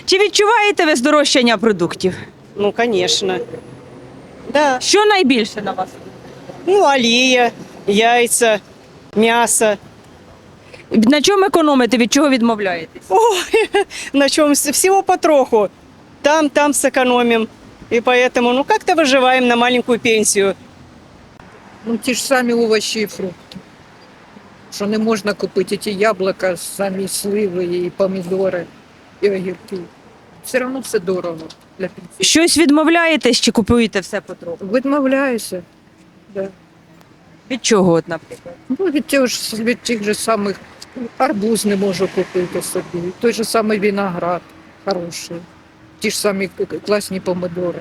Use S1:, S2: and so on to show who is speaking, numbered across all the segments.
S1: Чи відчуваєте ви здорожчання продуктів?
S2: Ну, конечно. Да.
S1: Що найбільше на вас?
S2: Ну, олія, яйця, м'ясо.
S1: На чому економите, від чого відмовляєтесь?
S2: Ой, на чем всего потроху. Там сэкономим. И поэтому, ну, как-то выживаем на маленькую пенсию.
S3: Ну, ті ж самі овочі і фрукти. Що не можна купити ті яблука, самі сливи, і помідори, і огірки. Все одно все дорого для пенсії.
S1: Щось відмовляєтесь чи купуєте все потроху?
S3: Відмовляюся. Да.
S1: Від чого, от, наприклад?
S3: Ну, від тих же самих арбуз не можу купити собі. Той же самий виноград хороший. Ті ж самі класні помидори.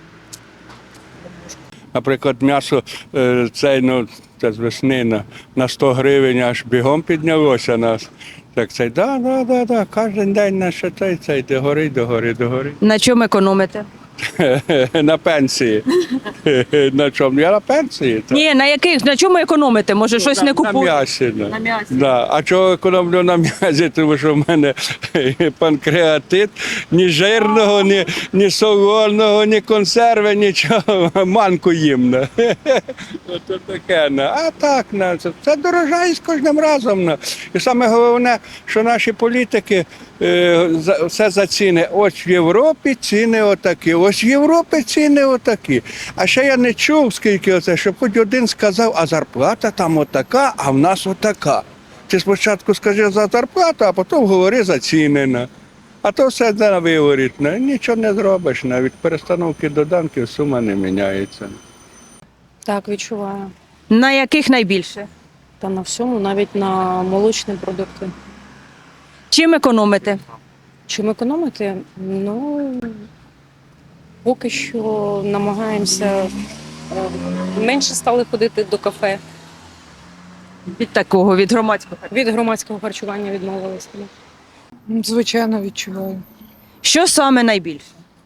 S4: Наприклад, м'ясо це з весни на 100 гривень аж бігом піднялося нас. Так цей, да, кожен день наше цей, до гори.
S1: На чому економите?
S4: На пенсії. На чому? Я на пенсії. Так.
S1: Ні, на чому економите? Може, щось не
S4: На
S1: купуєте?
S4: м'ясі.
S1: На м'ясі.
S4: Да. А чого економлю на м'язі? Тому що в мене панкреатит, ні жирного, ні солоного, ні консерви, нічого. Манку їм. Ото таке. А так, це дорожає з кожним разом. І саме головне, що наші політики все за ціни. Ось в Європі ціни отакі, ось в Європі ціни отакі. А ще я не чув, скільки оце, щоб хоч один сказав, а зарплата там отака, а в нас отака. Ти спочатку скажи за зарплату, а потім говори за ціни. А то все на виворіт. Нічого не зробиш. Від перестановки доданків сума не міняється.
S5: Так, відчуваю.
S1: На яких найбільше?
S5: Та на всьому, навіть на молочні продукти.
S1: Чим економите?
S5: Чим економити? Ну, поки що намагаємося менше стали ходити до кафе.
S1: Від такого, від громадського.
S5: Від громадського харчування відмовилися.
S3: Звичайно, відчуваю.
S1: Що саме найбільше?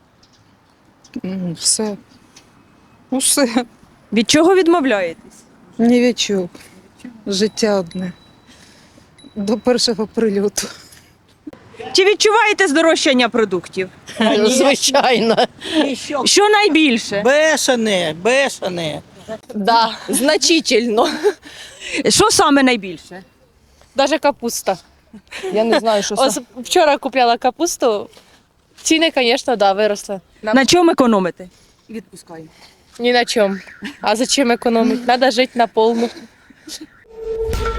S3: Все. Усе.
S1: Від чого відмовляєтесь?
S3: Ні від чого. Життя одне. До першого прильоту.
S1: Чи відчуваєте здорожчання продуктів?
S6: Звичайно.
S1: Що найбільше?
S6: Бешене.
S7: Да, значительно.
S1: Що саме найбільше?
S7: Даже капуста. Я не знаю, що це. Вчора купляла капусту. Ціни, звісно, да, виросли.
S1: На чому економите?
S7: Ні на чому. А зачем економити? Треба жити на повну.